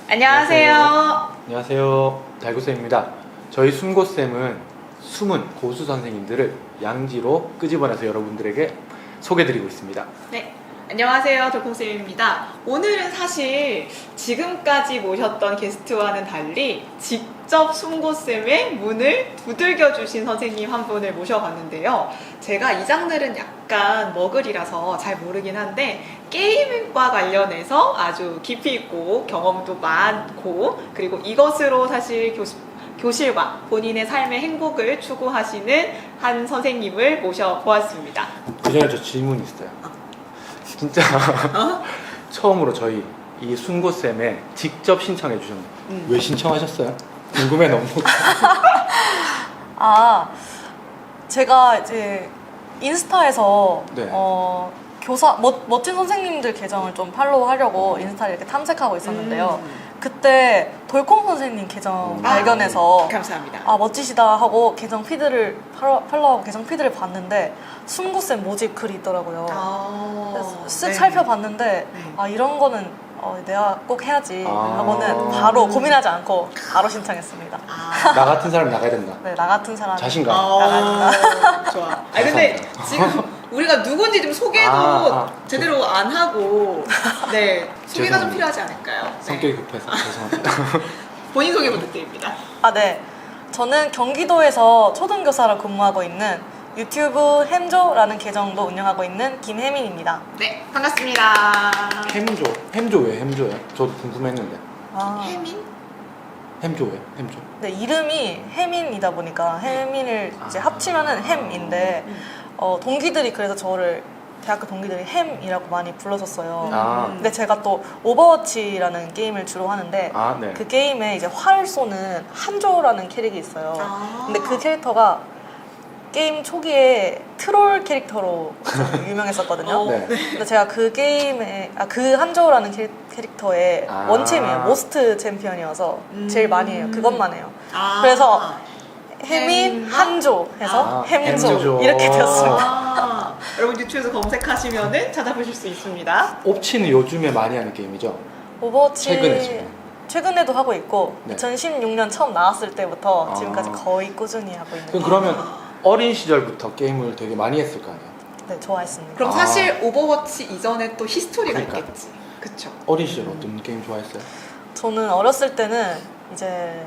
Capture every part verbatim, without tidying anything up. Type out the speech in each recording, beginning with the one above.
안녕하세요. 안녕하세요. 달구쌤입니다. 저희 숨고쌤은 숨은 고수 선생님들을 양지로 끄집어내서 여러분들에게 소개드리고 있습니다. 네, 안녕하세요. 돌콩쌤입니다. 오늘은 사실 지금까지 모셨던 게스트와는 달리 직접 숨고쌤의 문을 두들겨 주신 선생님 한 분을 모셔봤는데요. 제가 이 장르는 약간 머글이라서 잘 모르긴 한데 게임과 관련해서 아주 깊이 있고 경험도 많고 그리고 이것으로 사실 교수, 교실과 본인의 삶의 행복을 추구하시는 한 선생님을 모셔보았습니다. 그 전에 저 질문이 있어요. 진짜 어? 처음으로 저희 이 순고쌤에 직접 신청해 주셨는데 음. 왜 신청하셨어요? 궁금해 너무. 아, 제가 이제 인스타에서 네. 어, 교사 멋, 멋진 선생님들 계정을 좀 팔로우하려고 인스타를 이렇게 탐색하고 있었는데요. 음. 그때 돌콩 선생님 계정 음. 발견해서 감사합니다. 아 멋지시다 하고 계정 피드를 팔로, 팔로우하고 계정 피드를 봤는데 숨구쌤 모집 글이 있더라고요. 아, 그래서 쓱 네. 살펴봤는데 네. 아 이런 거는 어, 내가 꼭 해야지 아. 하고는 바로 고민하지 않고 바로 신청했습니다. 아, 나 같은 사람 나가야 된다. 네, 나 같은 사람 자신감. 아, 좋아. 아 근데 지금 우리가 누군지 좀 소개도 아, 아. 제대로 안 하고 네 소개가 좀 죄송합니다. 필요하지 않을까요? 네. 성격이 급해서 죄송합니다. 본인 소개 부탁드립니다. 아, 네. 저는 경기도에서 초등교사로 근무하고 있는 유튜브 햄조라는 계정도 운영하고 있는 김혜민입니다. 네, 반갑습니다. 햄조. 햄조 왜 햄조예요? 저도 궁금했는데. 아, 혜민? 햄조 왜? 햄조. 네, 이름이 혜민이다 보니까 혜민을 이제 아. 합치면은 햄인데 음. 어, 동기들이 그래서 저를 대학교 동기들이 햄이라고 많이 불러줬어요. 아. 근데 제가 또 오버워치라는 게임을 주로 하는데 아, 네. 그 게임에 이제 활 쏘는 한조라는 캐릭이 있어요. 아. 근데 그 캐릭터가 게임 초기에 트롤 캐릭터로 좀 유명했었거든요. 어, 네. 근데 제가 그 게임에 아, 그 한조라는 캐, 캐릭터의 아. 원챔이에요. 모스트 챔피언이어서 음. 제일 많이 해요. 그것만 해요. 아. 그래서 혜민 햄. 한조 해서 아, 햄조, 햄조. 이렇게 되었습니다. 아, 여러분 유튜브에서 검색하시면은 찾아보실 수 있습니다. 옵치는 요즘에 많이 하는 게임이죠? 오버워치 최근에 지금. 최근에도 하고 있고 네. 이천십육 년 처음 나왔을 때부터 아. 지금까지 거의 꾸준히 하고 있는 그럼 거. 그러면 어린 시절부터 게임을 되게 많이 했을 거 아니에요? 네, 좋아했습니다. 그럼 아. 사실 오버워치 이전에 또 히스토리가 그러니까. 있겠지. 그쵸? 어린 시절 어떤 게임 좋아했어요? 저는 어렸을 때는 이제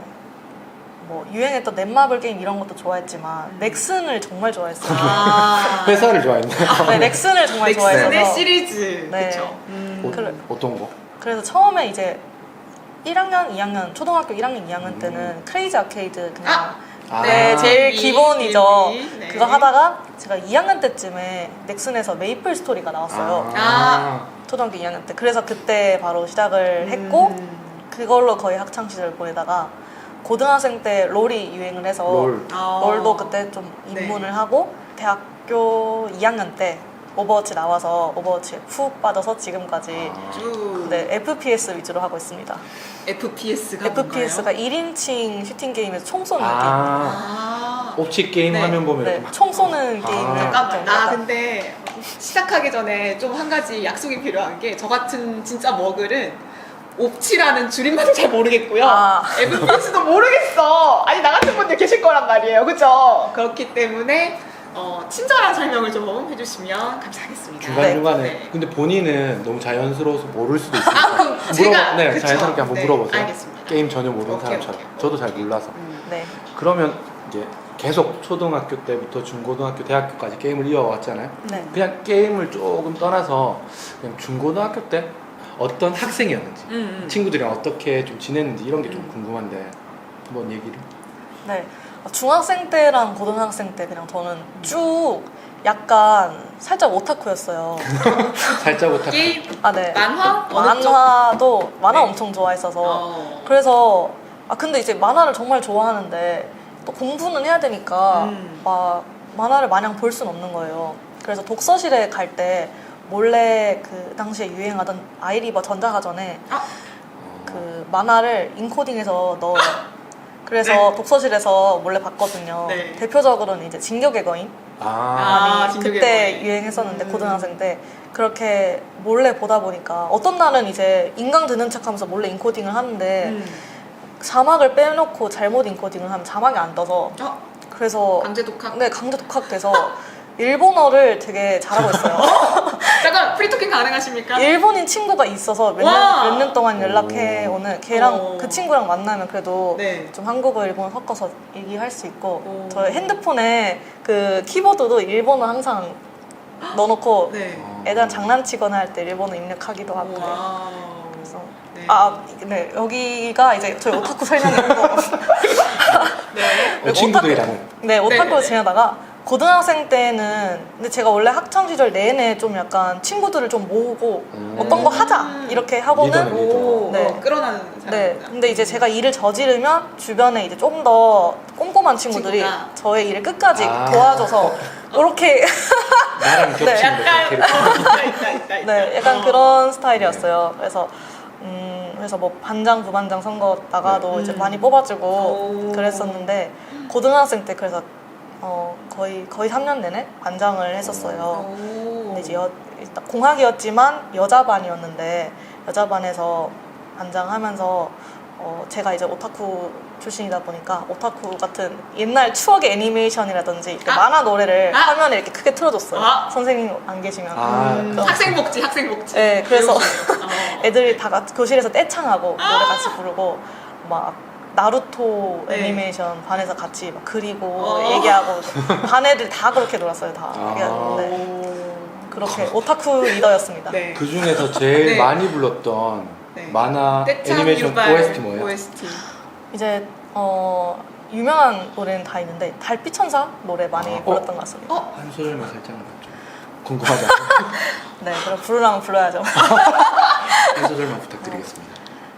뭐 유행했던 넷마블 게임 이런 것도 좋아했지만 음. 넥슨을 정말 좋아했어요. 아. 회사를 좋아했나요? 네, 넥슨을 정말 넥슨의 좋아해서 시리즈. 네. 그쵸? 음. 어, 그래. 어떤 거? 그래서 처음에 이제 일 학년, 이 학년, 초등학교 일 학년, 이 학년 음. 때는 크레이지 아케이드 그냥 아! 아. 네, 제일 미, 기본이죠. 미, 네. 그거 하다가 제가 이 학년 때쯤에 넥슨에서 메이플 스토리가 나왔어요. 아. 초등학교 이 학년 때. 그래서 그때 바로 시작을 했고 음. 그걸로 거의 학창 시절 보내다가 고등학생 때 롤이 유행을 해서 롤. 아. 롤도 그때 좀 입문을 네. 하고 대학교 이 학년 때 오버워치 나와서 오버워치에 푹 빠져서 지금까지 아. 쭉 네, 에프피에스 위주로 하고 있습니다. 에프피에스가 에프피에스가 일 인칭 슈팅 게임에서 총 쏘는 게임. 아. 아. 옵치 게임 네. 화면 보면 네, 이렇게 막 총 쏘는 아. 게임을 잠깐만, 나 약간- 근데 시작하기 전에 좀 한 가지 약속이 필요한 게 저 같은 진짜 머글은 옵치라는 줄임말도 잘 모르겠고요. 아. 에프피에스도 모르겠어. 아니 나 같은 분들 계실 거란 말이에요. 그죠? 그렇기 때문에 어, 친절한 설명을 좀 해주시면 감사하겠습니다. 중간중간에 네. 근데 본인은 너무 자연스러워서 모를 수도 있어요. 아 그럼 제가 네, 그쵸? 자연스럽게 한번 네, 물어보세요. 알겠습니다. 게임 전혀 모르는 오케이, 사람처럼. 오케이. 저도 잘 몰라서. 음. 네. 그러면 이제 계속 초등학교 때부터 중고등학교, 대학교까지 게임을 이어왔잖아요. 네. 그냥 게임을 조금 떠나서 그냥 중고등학교 때 어떤 학생이었는지, 음, 음. 친구들이랑 어떻게 좀 지냈는지 이런 게 좀 음. 궁금한데 한번 얘기를. 네. 중학생 때랑 고등학생 때 그냥 저는 쭉 약간 살짝 오타쿠였어요. 살짝 오타쿠. 게임 아, 네. 만화 어느 쪽? 만화도 만화 네. 엄청 좋아했어서 어. 그래서 아 근데 이제 만화를 정말 좋아하는데 또 공부는 해야 되니까 음. 막 만화를 마냥 볼 순 없는 거예요. 그래서 독서실에 갈 때 몰래 그 당시에 유행하던 아이리버 전자사전에 아. 그 만화를 인코딩해서 넣어요. 그래서 네. 독서실에서 몰래 봤거든요. 네. 대표적으로는 이제 진격의 거인 아, 많이 진격의 그때 거인. 유행했었는데 음. 고등학생 때 그렇게 몰래 보다 보니까 어떤 날은 이제 인강 듣는 척하면서 몰래 인코딩을 하는데 음. 자막을 빼놓고 잘못 인코딩을 하면 자막이 안 떠서 어? 그래서 강제 독학? 네 강제 독학돼서 일본어를 되게 잘하고 있어요. 잠깐 프리토킹 가능하십니까? 일본인 친구가 있어서 몇 와! 년, 몇 년 동안 연락해 오. 오는 걔랑 어. 그 친구랑 만나면 그래도 네. 좀 한국어, 일본어 섞어서 얘기할 수 있고 오. 저 핸드폰에 그 키보드도 일본어 항상 넣어놓고 네. 애들 장난치거나 할 때 일본어 입력하기도 하고 그래요. 와우. 그래서 네. 아, 네 여기가 이제 저희 오타쿠 설명이고 네. 어, 친구들이랑은 네 오타쿠로 네네네. 지내다가 고등학생 때는 근데 제가 원래 학창 시절 내내 좀 약간 친구들을 좀 모으고 음. 어떤 거 하자 이렇게 하고는 리더네, 오, 네. 어, 끌어나는 사람. 네 근데 이제 제가 일을 저지르면 주변에 이제 좀 더 꼼꼼한 친구들이 친구가. 저의 일을 끝까지 아. 도와줘서 이렇게 나랑 겹치는 네, 거 약간 어, 있다 있다 있다. 있다. 네 약간 어. 그런 스타일이었어요. 그래서 음 그래서 뭐 반장 부반장 선거 나가도 네. 이제 음. 많이 뽑아주고 오. 그랬었는데 고등학생 때 그래서 어 거의 거의 삼 년 내내 반장을 했었어요. 오. 근데 이제 여, 일단 공학이었지만 여자 반이었는데 여자 반에서 반장하면서 어 제가 이제 오타쿠 출신이다 보니까 오타쿠 같은 옛날 추억의 애니메이션이라든지 이렇게 아. 만화 노래를 아. 화면에 이렇게 크게 틀어줬어요. 아. 선생님 안 계시면. 아. 음, 그럼- 학생복지 학생복지. 네, 그래서 배우시네요. 어. 애들이 다 같이 교실에서 떼창하고 아. 노래 같이 부르고 막 나루토 네. 애니메이션 반에서 같이 막 그리고 어. 얘기하고 반 애들 다 그렇게 놀았어요 다. 아. 네, 오. 그렇게 오타쿠 리더였습니다. 네. 그 중에서 제일 네. 많이 불렀던 네. 만화 떼창 애니메이션 유발 오에스티 뭐예요? 오에스티. 이제 어 유명한 노래는 다 있는데 달빛천사 노래 많이 아, 불렀던 어? 것 같습니다. 어? 한 소절만 살짝만 좀 궁금하지 네, 그럼 부르라면 불러야죠. 한 소절만 부탁드리겠습니다.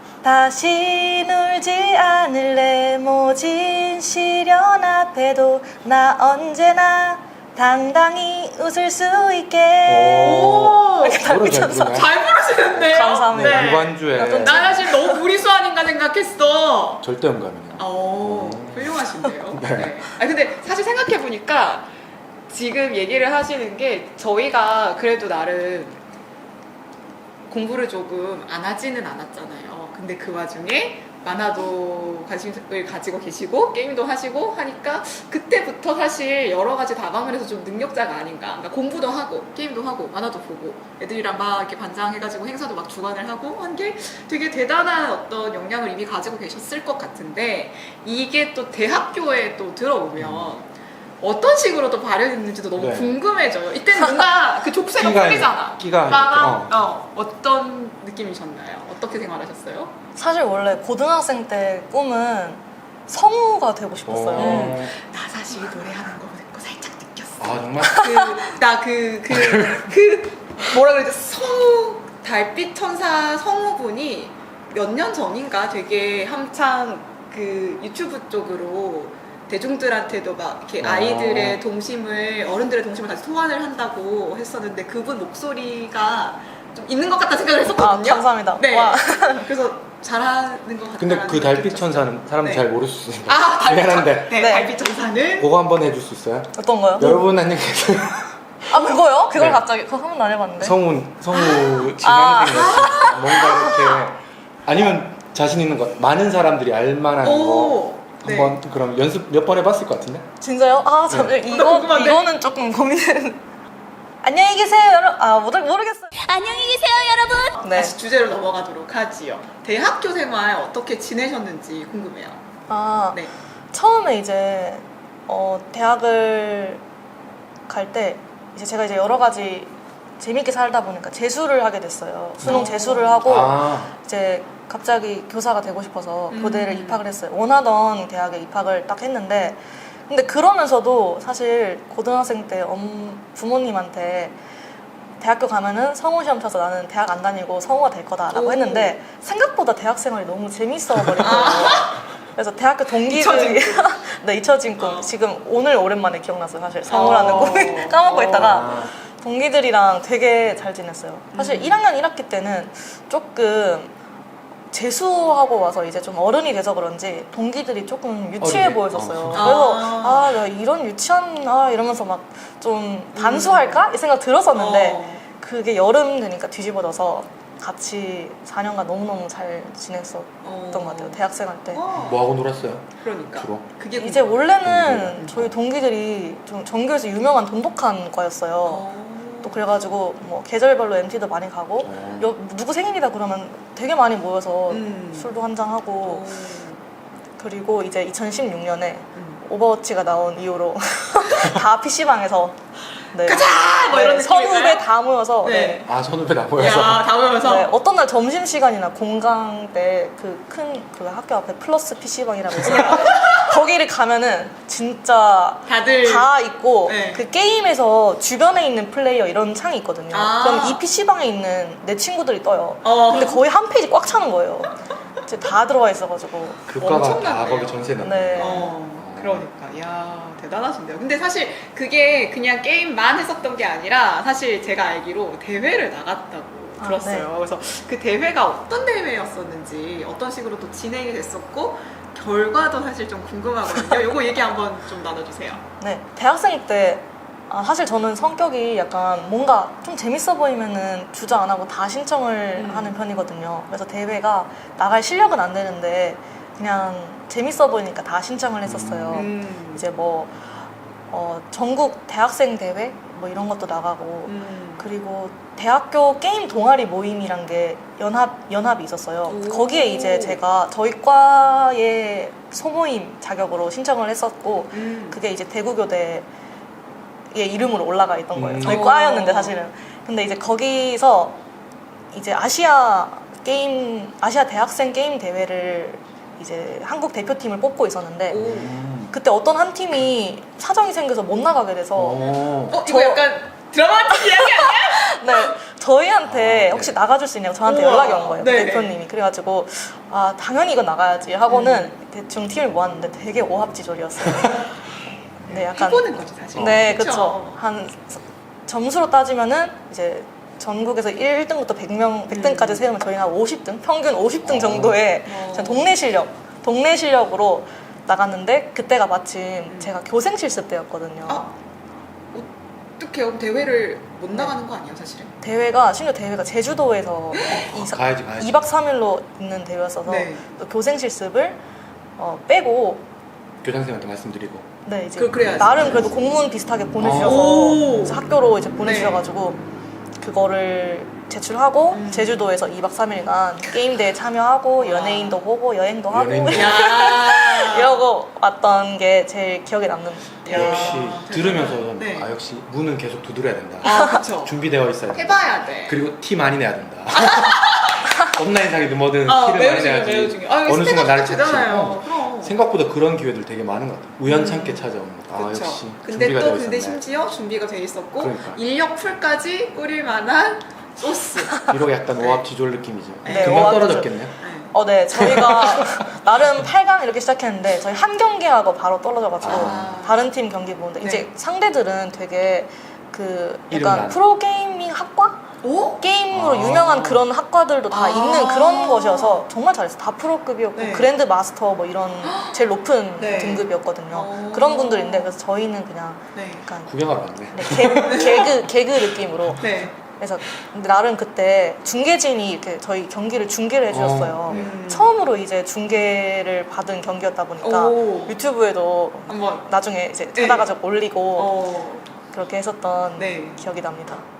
다시 울지 않을래 모진 시련 앞에도 나 언제나 당당히 웃을 수 있게. 오. 노래 잘 달빛천사. 부르네. 잘 부르시는데요? 감사합니다. 네, 네. 무반주에 좀 나 사실 너무 무리수 아닌가 생각했어. 절대 음감이네요. 오, 음. 훌륭하신데요. 네. 네. 아 근데 사실 생각해 보니까 지금 얘기를 하시는 게 저희가 그래도 나름 공부를 조금 안 하지는 않았잖아요. 근데 그 와중에 만화도 관심을 가지고 계시고 게임도 하시고 하니까 그때부터 사실 여러 가지 다방을 해서 좀 능력자가 아닌가. 그러니까 공부도 하고 게임도 하고 만화도 보고 애들이랑 막 이렇게 반장해가지고 행사도 막 주관을 하고 한 게 되게 대단한 어떤 역량을 이미 가지고 계셨을 것 같은데 이게 또 대학교에 또 들어오면 어떤 식으로 또 발현했는지도 너무 네. 궁금해져요. 이때는 뭔가 그 족쇄가 끼가 풀리잖아. 끼가 빠밤. 어. 어. 어떤 느낌이셨나요? 어떻게 생활하셨어요? 사실 원래 고등학생 때 꿈은 성우가 되고 싶었어요. 어. 나 사실 노래하는 거 듣고 살짝 느꼈어. 아 정말 나 그 그 그 뭐라 그러지? 성우 달빛 천사 성우분이 몇 년 전인가 되게 한창 그 유튜브 쪽으로 대중들한테도 막 이렇게 어. 아이들의 동심을 어른들의 동심을 다시 소환을 한다고 했었는데 그분 목소리가 좀 있는 것 같다 생각을 아, 했었거든요. 감사합니다. 네. 와. 그래서 잘하는 것 같아요. 근데 그 달빛 천사는 사람들 네. 잘 모를 수 있으니까 아 달빛 천 미안한데 네, 네. 달빛 천사는 그거 한번 해줄 수 있어요? 어떤 거요? 여러분 안녕히 계세요. 아 그거요? 그걸 네. 갑자기 그거 한 번도 안 해봤는데. 성우 성우 아. 지망생 같은 뭔가 이렇게 아니면 자신 있는 것 많은 사람들이 알만한 거 오. 네. 한번 그럼 연습 몇 번 해봤을 것 같은데? 진짜요? 아, 저 네. 이거 궁금한데? 이거는 조금 고민은. 안녕히 계세요, 여러분. 아, 모르 모르겠어요. 안녕히 계세요, 여러분. 네. 다시 주제로 넘어가도록 하지요. 대학교 생활 어떻게 지내셨는지 궁금해요. 아, 네. 처음에 이제 어, 대학을 갈 때 이제 제가 이제 여러 가지 재밌게 살다 보니까 재수를 하게 됐어요. 수능 어. 재수를 하고 아 이제 갑자기 교사가 되고 싶어서 음. 교대를 입학을 했어요. 원하던 대학에 입학을 딱 했는데 근데 그러면서도 사실 고등학생 때 엄, 부모님한테 대학교 가면은 성우 시험 쳐서 나는 대학 안 다니고 성우가 될 거다라고 오. 했는데 생각보다 대학 생활이 너무 재밌어 버린 거예요. 그래서 대학교 동기들이 잊혀진 네 잊혀진 꿈 어. 지금 오늘 오랜만에 기억났어요. 사실 성우라는 어. 꿈을 까먹고 있다가 아. 동기들이랑 되게 잘 지냈어요. 사실 음. 일 학년 일 학기 때는 조금 재수하고 와서 이제 좀 어른이 돼서 그런지 동기들이 조금 유치해 어리네? 보였었어요. 어. 그래서 아. 아, 나 이런 유치한 아 이러면서 막 좀 단수할까? 이 생각 들었었는데 어. 그게 여름 되니까 뒤집어져서 같이 사 년간 너무너무 잘 지냈었던 어. 것 같아요. 대학생 할 때. 어. 뭐 하고 놀았어요? 그러니까. 주로? 그게 이제 궁금해. 원래는 동기들. 저희 동기들이 좀 전교에서 유명한 돈독한 과였어요. 어. 또 그래가지고 뭐 계절별로 엠티도 많이 가고 어. 여, 누구 생일이다 그러면 되게 많이 모여서 음. 술도 한잔 하고 어. 그리고 이제 이천십육 년에 음. 오버워치가 나온 이후로 다 피시방에서 네. 가자! 뭐 이런 느낌일까요? 선후배 다 모여서 네. 네. 아 선후배 다 모여서 야, 다 모여서. 네, 어떤 날 점심시간이나 공강 때 그 큰 그 학교 앞에 플러스 피시방이라고 있어요. 거기를 가면은 진짜 다들 다 있고 네. 그 게임에서 주변에 있는 플레이어 이런 창이 있거든요. 아. 그럼 이 피시방에 있는 내 친구들이 떠요. 어. 근데 거의 한 페이지 꽉 차는 거예요. 이제 다 들어와 있어가지고. 그 과가 다 엄청나네요. 거기 전세 났네. 네. 어, 그러니까. 야, 대단하신데요. 근데 사실 그게 그냥 게임만 했었던 게 아니라 사실 제가 알기로 대회를 나갔다고 아, 들었어요. 네. 그래서 그 대회가 어떤 대회였었는지, 어떤 식으로 또 진행이 됐었고, 결과도 사실 좀 궁금하거든요. 요거 얘기 한번 좀 나눠주세요. 네, 대학생 때 아, 사실 저는 성격이 약간 뭔가 좀 재밌어 보이면은 주저 안 하고 다 신청을 음. 하는 편이거든요. 그래서 대회가 나갈 실력은 안 되는데 그냥 재밌어 보이니까 다 신청을 했었어요. 음. 이제 뭐 어, 전국 대학생 대회 뭐 이런 것도 나가고 음. 그리고 대학교 게임 동아리 모임이란 게 연합 연합이 있었어요. 오. 거기에 이제 제가 저희 과의 소모임 자격으로 신청을 했었고 음. 그게 이제 대구교대의 이름으로 올라가 있던 거예요. 음. 저희 오. 과였는데 사실은. 근데 이제 거기서 이제 아시아 게임 아시아 대학생 게임 대회를 이제 한국 대표팀을 뽑고 있었는데 오. 음. 그때 어떤 한 팀이 사정이 생겨서 못 나가게 돼서 어. 어, 이거 저- 약간 드라마틱 이야기 아니야? 네, 저희한테 아, 혹시 네. 나가줄 수 있냐고 저한테 우와. 연락이 온 거예요. 네네. 대표님이. 그래가지고 아 당연히 이거 나가야지 하고는 대충 팀을 모았는데 되게 오합지졸이었어요. 네, 약간 해보는 거지, 사실. 네, 그쵸? 그쵸. 한 점수로 따지면은 이제 전국에서 일 등부터 백 명, 백 등까지 음. 세우면 저희는 한 오십 등, 평균 오십 등 어. 정도의 어. 그냥 동네 실력, 동네 실력으로 나갔는데 그때가 마침 음. 제가 교생 실습 때였거든요. 아, 어떻게 그럼 대회를 못 네. 나가는 거 아니에요, 사실은? 대회가 심지어 대회가 제주도에서 이 사- 가야지 가야지. 이 박 삼 일로 있는 대회였어서 네. 또 교생 실습을 어, 빼고 교장선생님한테 말씀드리고. 네 이제 그- 그래야지. 나름 그래도 공문 비슷하게 보내주셔서 오. 그래서 학교로 이제 보내주셔가지고 그거를 제출하고 음. 제주도에서 이 박 삼 일간 게임 대회 참여하고 와. 연예인도 보고 여행도 하고 연예인도 야. 이러고 왔던 게 제일 기억에 남는 야. 대회. 역시 들으면서 네. 아 역시 문은 계속 두드려야 된다. 아, 그쵸. 준비되어 있어야 된다. 해봐야 돼. 그리고 티 많이 내야 된다. 온라인 상이든 뭐든 아, 티를 매우 많이 중요해, 내야지. 매우 중요해. 아, 어느 순간 나를 되잖아요. 어, 그럼. 생각보다 그런 기회들 되게 많은 것 같아. 우연찮게 음. 찾아오는 것. 아 그쵸. 역시 근데 준비가 또 되어 근데 있었네. 심지어 준비가 돼 있었고 그러니까. 인력 풀까지 뿌릴 만한 소스. 이러고 약간 네. 오합지졸 느낌이죠. 네, 금방 오합지졸. 떨어졌겠네요. 네. 어, 네. 저희가 나름 팔 강 이렇게 시작했는데 저희 한 경기하고 바로 떨어져가지고 아. 다른 팀 경기 보는데 네. 이제 상대들은 되게 그 이름 약간 난. 프로게이밍 학과? 오? 게임으로 아. 유명한 그런 학과들도 다 아. 있는 그런 것이어서 정말 잘했어요. 다 프로급이었고 네. 그랜드 마스터 뭐 이런 제일 높은 네. 등급이었거든요. 어. 그런 분들인데 그래서 저희는 그냥 네. 약간 구경하러 왔네. 네, 개, 개그 개그 느낌으로 네. 그래서 근데 나름 그때 중계진이 이렇게 저희 경기를 중계를 해주셨어요. 어, 네. 음. 처음으로 이제 중계를 받은 경기였다 보니까 오. 유튜브에도 한번 나중에 이제 네. 찾아가지고 올리고 어. 그렇게 했었던 네. 기억이 납니다.